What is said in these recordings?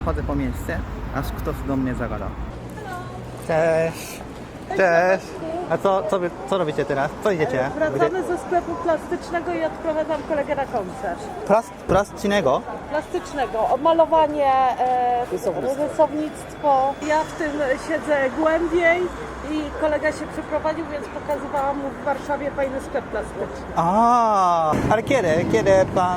Chodzę po miejsce, aż ktoś do mnie zagada. Cześć. Cześć. A co robicie teraz? Co idziecie? Wracamy ze sklepu plastycznego i odprowadzam kolegę na koncert. Plastycznego? Plastycznego, malowanie, rysownictwo. Ja w tym siedzę głębiej i kolega się przeprowadził, więc pokazywałam mu w Warszawie fajny sklep plastyczny. Ale kiedy pan...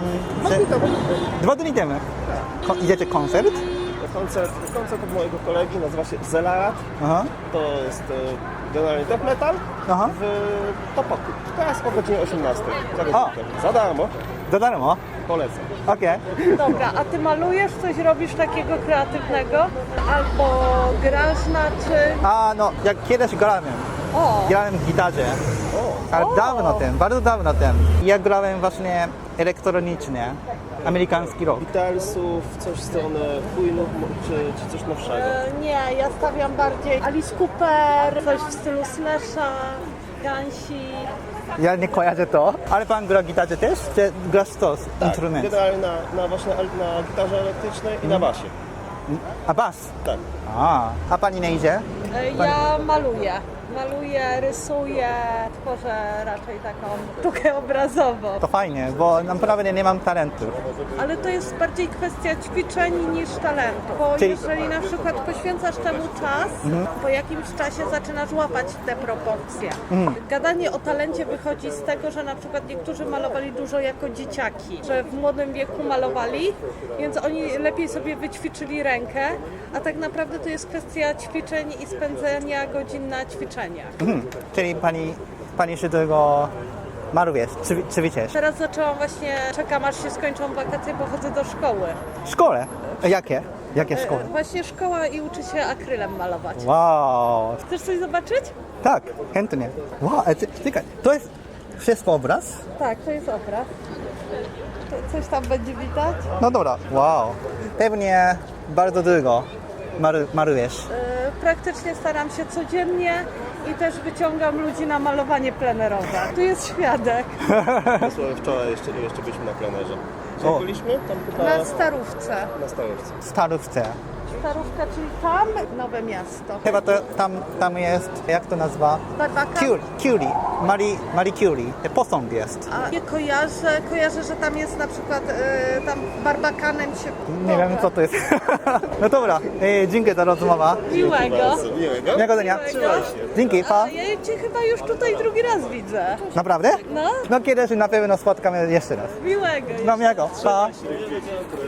2 dni temu. Idziecie koncert? Koncert od mojego kolegi nazywa się Zelarat. Aha. To jest generalnie death metal Aha. w Topoku. Teraz o godzinie 18. O. Za darmo. Za darmo? Polecam. Okej. Dobra, a ty malujesz, coś robisz takiego kreatywnego? Albo grasz na czymś? No, jak kiedyś grałem. O, Grałem w gitarze. Ale dawno temu, bardzo dawno temu. Ja grałem właśnie elektronicznie. Amerykański rock. Beatlesów, coś w stronę Queenów czy coś nowszego. nie, ja stawiam bardziej Alice Cooper, coś w stylu Slasha, Gansi. Ja nie kojarzę to. Ale pan gra gitarze też? Czy grasz to instrument? Generalnie na gitarze elektrycznej i na basie. A bas? Tak. A pani nie idzie? Ja maluję, rysuję, tworzę raczej taką sztukę obrazową. To fajnie, bo naprawdę nie mam talentu. Ale to jest bardziej kwestia ćwiczeń niż talentu. Bo Czyli- jeżeli na przykład poświęcasz temu czas, po jakimś czasie zaczynasz łapać te proporcje. Gadanie o talencie wychodzi z tego, że na przykład niektórzy malowali dużo jako dzieciaki, że w młodym wieku malowali, więc oni lepiej sobie wyćwiczyli rękę, a tak naprawdę to jest kwestia ćwiczeń i spędzenia godzin na ćwiczeniach. Czyli pani się tego maluje, czy wiecie? Teraz zaczęłam właśnie, czekam aż się skończą wakacje, bo chodzę do szkoły. W szkole? Jakie? Jakie szkoły? Właśnie szkoła i uczy się akrylem malować. Wow, Chcesz coś zobaczyć? tak, chętnie. Wow, czekaj, to jest wszystko obraz? Tak, to jest obraz. Coś tam będzie widać. No dobra, wow. Pewnie bardzo długo malujesz. Praktycznie staram się codziennie i też wyciągam ludzi na malowanie plenerowe. Tu jest świadek. Dosłownie wczoraj jeszcze byliśmy na plenerze. O. Gdzie byliśmy? Tam chyba Na Starówce. na Starówce. Starówce. Starówka, czyli tam Nowe Miasto. Chyba to tam jest, jak to nazwa? Barbakan. Curie. Marie Curie. Posąg jest. A nie kojarzę, że tam jest na przykład tam Barbakanem się... Nie wiem co to jest. No dobra, dziękuję za rozmowę. Miłego. Miłego. Miłego dnia. Dzięki, pa. A ja cię chyba już tutaj drugi raz widzę. Naprawdę? No. No kiedyś na pewno spotkamy jeszcze raz. Miłego. No miłego, pa.